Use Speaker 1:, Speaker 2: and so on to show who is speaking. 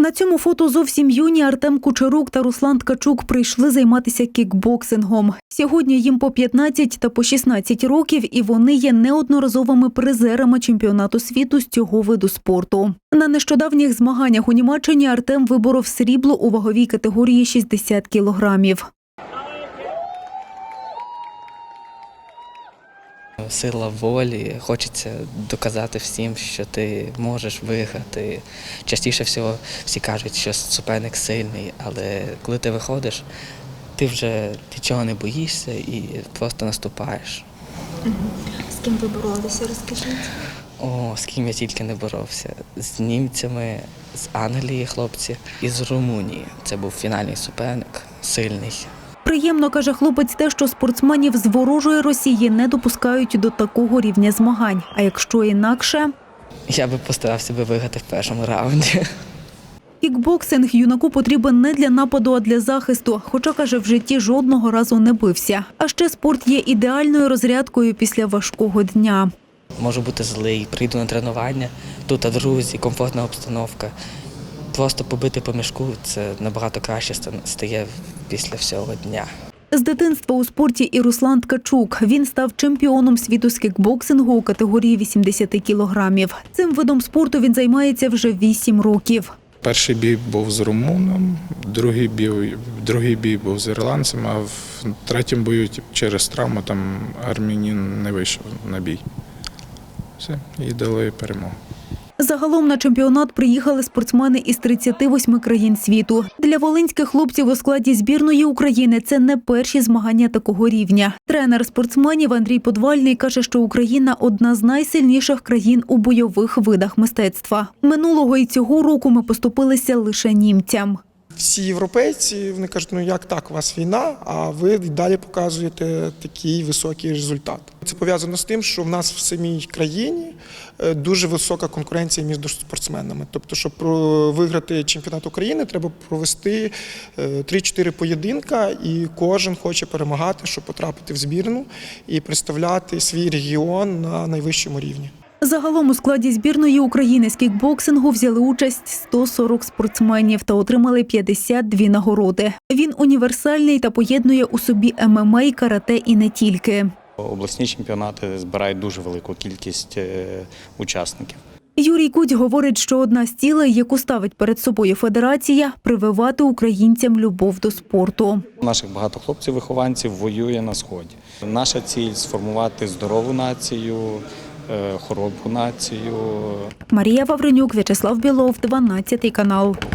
Speaker 1: На цьому фото зовсім юні Артем Кучерук та Руслан Ткачук прийшли займатися кікбоксингом. Сьогодні їм по 15 та по 16 років, і вони є неодноразовими призерами чемпіонату світу з цього виду спорту. На нещодавніх змаганнях у Німеччині Артем виборов срібло у ваговій категорії 60 кілограмів.
Speaker 2: Сила волі, хочеться доказати всім, що ти можеш виграти. Частіше всього всі кажуть, що суперник сильний, але коли ти виходиш, ти вже нічого не боїшся і просто наступаєш.
Speaker 3: З ким ви боролися, розкажіть?
Speaker 2: З ким я тільки не боровся. З німцями, з Англії хлопці і з Румунії. Це був фінальний суперник, сильний.
Speaker 1: Приємно, каже хлопець, те, що спортсменів з ворожої Росії не допускають до такого рівня змагань. А якщо інакше?
Speaker 2: Я би постарався виграти в першому раунді.
Speaker 1: Кікбоксинг юнаку потрібен не для нападу, а для захисту. Хоча, каже, в житті жодного разу не бився. А ще спорт є ідеальною розрядкою після важкого дня.
Speaker 2: Можу бути злий, прийду на тренування, тут друзі, комфортна обстановка. Просто побити по мішку – це набагато краще стає після всього дня.
Speaker 1: З дитинства у спорті і Руслан Ткачук. Він став чемпіоном світу з кікбоксингу у категорії 80 кілограмів. Цим видом спорту він займається вже 8 років.
Speaker 4: Перший бій був з румуном, другий бій був з ірландцем, а в третьому бою через травму там армянин не вийшов на бій. Все, і дали перемогу.
Speaker 1: Загалом на чемпіонат приїхали спортсмени із 38 країн світу. Для волинських хлопців у складі збірної України це не перші змагання такого рівня. Тренер спортсменів Андрій Подвальний каже, що Україна – одна з найсильніших країн у бойових видах мистецтва. Минулого і цього року ми поступилися лише німцям.
Speaker 5: Всі європейці, вони кажуть, ну як так, у вас війна, а ви далі показуєте такий високий результат. Це пов'язано з тим, що в нас в самій країні дуже висока конкуренція між спортсменами. Тобто, щоб виграти чемпіонат України, треба провести 3-4 поєдинка, і кожен хоче перемагати, щоб потрапити в збірну і представляти свій регіон на найвищому рівні.
Speaker 1: Загалом у складі збірної України з кікбоксингу взяли участь 140 спортсменів та отримали 52 нагороди. Він універсальний та поєднує у собі ММА, карате і не тільки.
Speaker 6: Обласні чемпіонати збирають дуже велику кількість учасників.
Speaker 1: Юрій Кудь говорить, що одна з цілей, яку ставить перед собою федерація – прививати українцям любов до спорту.
Speaker 6: Наших багато хлопців-вихованців воює на Сході. Наша ціль – сформувати здорову націю, хоробру націю.
Speaker 1: Марія Вавренюк, В'ячеслав Білов, 12 канал.